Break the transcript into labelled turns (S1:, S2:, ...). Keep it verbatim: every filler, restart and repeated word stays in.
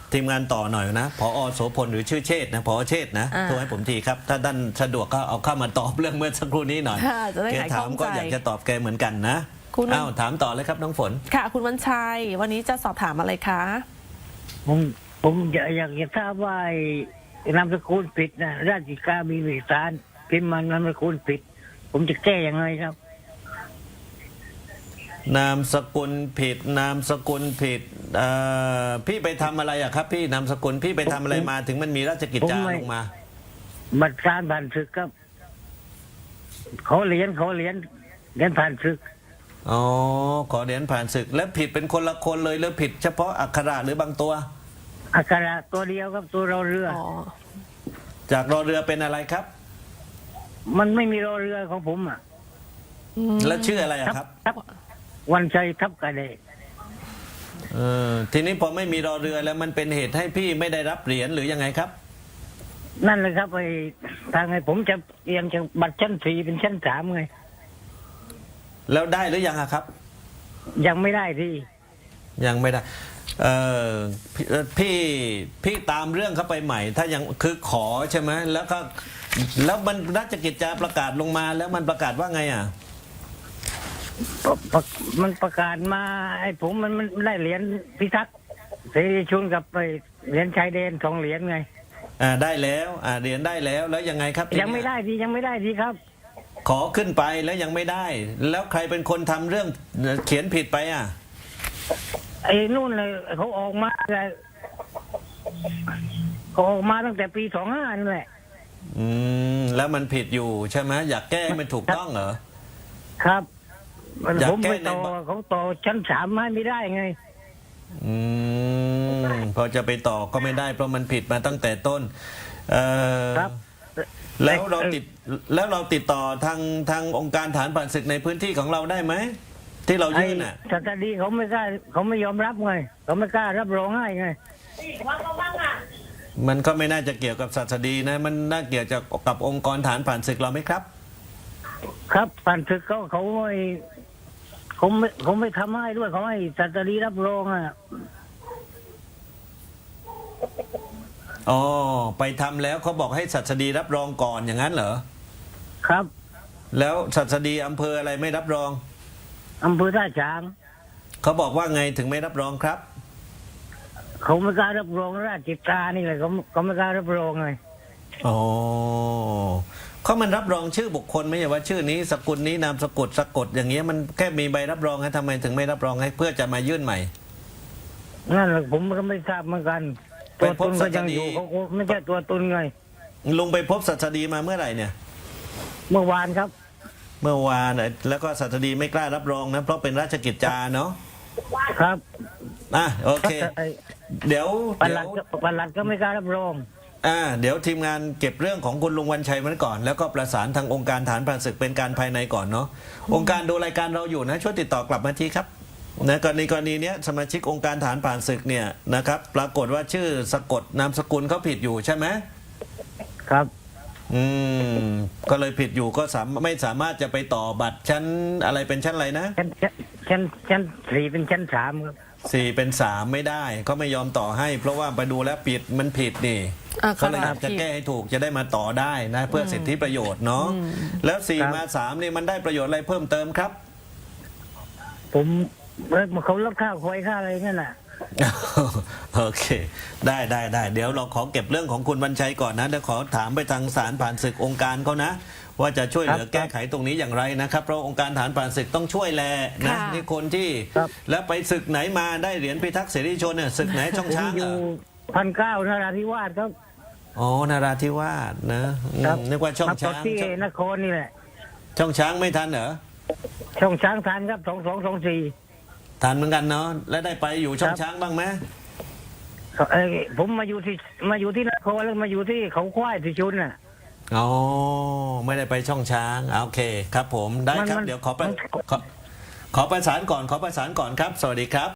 S1: ทีมงานต่อหน่อยนะผอ.โสพลหรือชื่อเชษฐ์นะผอ.เชษฐ์นะ
S2: อ่า
S1: โทรให้ผมทีครับถ้าท่านสะดวกก็เอาเข้ามาตอบเรื่องเมื่อสักครู่นี้หน่อย
S2: ค่ะจะได้
S1: แก
S2: หาย
S1: ถา
S2: ข้อ
S1: ม
S2: ง
S1: ก็
S2: ใจ
S1: อยากจะตอบแกเหมือนกันนะ
S2: คุณ
S1: อ้าวถามต่อเลยครับน้องฝน
S2: ค่ะ คุณวันชัย วันนี้จะสอบถามอะไรคะ
S3: ผมผมอยากอยากจะทราบว่าไอ้นามสกุลผิดนะราชการมีเอกสารพิมพ์มันนามสกุลผิด ผมจะแก้ยังไงครับ
S1: นามสกุลผิดนามสกุลผิดเอ่อพี่ไปทำอะไรอะครับ พี่นามสกุลพี่ไปทำอะไรมาถึงมันมีราชกิจจา
S3: ผมไม่
S1: ลงมา
S3: บัตรการผ่านศึกครับเขาเหรียญเขาเหรียญเหรียญผ่านศึก
S1: อ๋อขอเหรียญผ่านศึกแล้วผิดเป็นคนละคนเลยหรือผิดเฉพาะอักขระหรือบางตัว
S3: อักขระตัวเดียวครับตัวเราเรือ
S2: อ๋อ
S1: จากรอเรือเป็นอะไรครับ
S3: มันไม่มีรอเรือของผมอ่ะ
S2: อืม
S1: แล้วชื่ออะไรอะครับ
S3: ทับวันชัยทับกระเดะ
S1: เออทีนี้พอไม่มีรอเรือแล้วมันเป็นเหตุให้พี่ไม่ได้รับเหรียญหรือยังไงครับ
S3: นั่นเลยครับไอ้ทางไอ้ผมจะเตรียมจะบัตรชั้นสี่เป็นชั้นสามไง
S1: แล้วได้หรือยังอะครับ
S3: ยังไม่ได้ที่
S1: ยังไม่ได้เออพี่เอ่อพี่พี่ตามเรื่องเข้าไปใหม่ ถ้ายังคือขอใช่ไหมแล้วก็แล้วมันราชกิจจาประกาศลงมาแล้วมันประกาศว่าไงอ่ะ
S3: ปะปะมันประกาศมาไอ้ผมมันมันได้เหรียญพิทักษ์เสรีชุนกับไปเหรียญชายแดนสองเหรียญไง
S1: อ่าได้แล้วอ่าเหรียญได้แล้วแล้วยังไงครับทีเนี้
S3: ยังไม่ได้ทียังไม่ได้ทีครับ
S1: ขอขึ้นไปแล้วยังไม่ได้ แล้วใครเป็นคนทำเรื่องเขียนผิดไปอ่ะ
S3: ไอ้นู่นเลยเขาออกมาเลยเขาออกมาตั้งแต่ปีสองห้านั่นแหละ
S1: อืมแล้วมันผิดอยู่ใช่ไหมอยากแก้ให้มันถูกต้องเหรอ
S3: ครับมัน
S1: อยาก
S3: ผม
S1: แก้
S3: ไป
S1: ใน
S3: ต่อ
S1: บัตร
S3: เขาต่อชั้นสามให้ไม่ได้ไง
S1: อืมพอจะไปต่อก็ไม่ได้เพราะมันผิดมาตั้งแต่ต้นเออ
S3: ครับ
S1: แล้วเราติดแล้วเราติดต่อทางทางองค์การฐานผ่านศึกในพื้นที่ของเราได้ไหมที่เรา
S3: ไอ้
S1: ยื่นอ่ะ
S3: สตดีเขาไม่กล้าเขาไม่ยอมรับไงเขาไม่กล้ารับรองให้ไง
S1: มันก็ไม่น่าจะเกี่ยวกับศาสดีนะ มันน่าเกี่ยวกับกับองค์กรฐานผ่านศึกเราไหมครับ
S3: ครับผ่านศึกเขาเขาไม่เขาไม่เขาไม่ทำให้ด้วยเขาให้สตดีรับรองอ่ะ
S1: อ๋อไปทำแล้วเขาบอกให้ศัสดีรับรองก่อนอย่างนั้นเหรอ
S3: ครับ
S1: แล้วศัสดีอำเภออะไรไม่รับรอง
S3: อำเภอท่าช้าง
S1: เขาบอกว่าไงถึงไม่รับรองครับ
S3: เขาไม่กล้ารับรองราชกิจจานี่เลยเขาเขาไม่กล้ารับรองไง
S1: อ๋อเขามันรับรองชื่อบุคคลไม่ใช่ว่าชื่อนี้สกุลนี้นามสกุลสะกดอย่างเงี้ยมันแค่มีใบรับรองให้ทำไมถึงไม่รับรองให้เพื่อจะมายื่นใหม่
S3: นั่นแหละผมก็ไม่ทราบเหมือนกัน
S1: ไป
S3: ตัว
S1: พ
S3: ต
S1: บ
S3: น
S1: ศั
S3: ก็
S1: ส
S3: ยัง
S1: ดี
S3: อยู่เขาก็ไม่ใช่ตัวตนไง
S1: ลุงไปพบศัสดีมาเมื่อไหร่เนี่ย
S3: เมื่อวานครับ
S1: เมื่อวานน่ะแล้วก็ศัสดีไม่กล้ารับรองนะเพราะเป็นราชกิจจาเนาะ
S3: ครับ
S1: อ่ะโอเค
S3: ไอ้
S1: เดี๋ยว
S3: ป
S1: เดี๋
S3: ลั
S1: ย
S3: ด
S1: ว
S3: ก็ปลัดก็ไม่กล้ารับรอง
S1: อ่าเดี๋ยวทีมงานเก็บเรื่องของคุณลุงวันชัยไว้ก่อน แล้วก็ประสานทางองค์การฐานผ่านศึกเป็นการภายในก่อนเนาะองค์การดูรายการเราอยู่นะช่วยติดต่อกลับมาทีครับนะกรณีกรณีเนี้ยสมาชิกองค์การฐานผ่านศึกเนี่ยนะครับปรากฏว่าชื่อสะกดนามสกุลเขาผิดอยู่ใช่ไหม
S3: ครับ
S1: อืมก็เลยผิดอยู่ก็สามไม่สามารถจะไปต่อบัตรชั้นอะไรเป็นชั้นอะไรนะ
S3: ชั้นชั้นชั้นสี่เป็นชั้นสามครับ
S1: สี่เป็นสามไม่ได้เขาไม่ยอมต่อให้ เพราะว่าไปดูแล้วผิดมันผิดนี่
S2: อ่า
S1: เขาเลยอยาก
S2: ค
S1: จะ
S2: รับ
S1: แก้ให้ถูกจะได้มาต่อได้นะเพื่อสิทธิประโยชน์เนาะแล้วสี่มาสามนี่มันได้ประโยชน์อะไรเพิ่มเติมครับ
S3: ผมเอ้ยเขาลดค่าควยค่าอะไรนั่นน่ะ
S1: โอเค ได้ได้ได้เดี๋ยวเราขอเก็บเรื่องของคุณวันชัยก่อนนะเดี๋ยวขอถามไปทางศาลผ่านศึกองค์การเขานะ ว่าจะช่วยเหลือ
S3: ครับ
S1: แก้ไขตรงนี้อย่างไรนะครับเพราะองค์การฐานผ่านศึกต้องช่วยแลนะ
S2: ค่ะ
S1: นี่คนที่
S3: ครับ
S1: แล้วไปศึกไหนมาได้เหรียญพิทักษ์เสรีชนเนี่ยศึกไหนช่อง
S3: ผม
S1: ช้าง
S3: อ
S1: เหร
S3: ยู่
S1: อ
S3: พันเก้านราธิวาสครับ
S1: อ๋อนาราธิวาสนะอืม
S3: ครับ
S1: นึกว่าช่อง
S3: มาต่อ
S1: ช้าง
S3: ที่
S1: ช่อง
S3: นครนี่แหละ
S1: ช่องช้างไม่ทันเหรอ
S3: ช่องช้างทานครับสองสองสองสี่
S1: ทันเหมือนกันเนาะแล้วได้ไปอยู่ช่อง
S3: ครับ
S1: ช้างบ้างไหม
S3: เอ้ยผมมาอยู่ที่มาอยู่ที่นครแล้วมาอยู่ที่เขาควายที่ชุนน่ะ
S1: อ๋อไม่ได้ไปช่องช้างอ่ะโอเคครับผมได้
S3: มัน
S1: ครับ
S3: มัน
S1: เดี๋ยวขอประ
S3: มัน
S1: ขอขอประสานก่อนขอประสานก่อนครับ สวัสดีครับ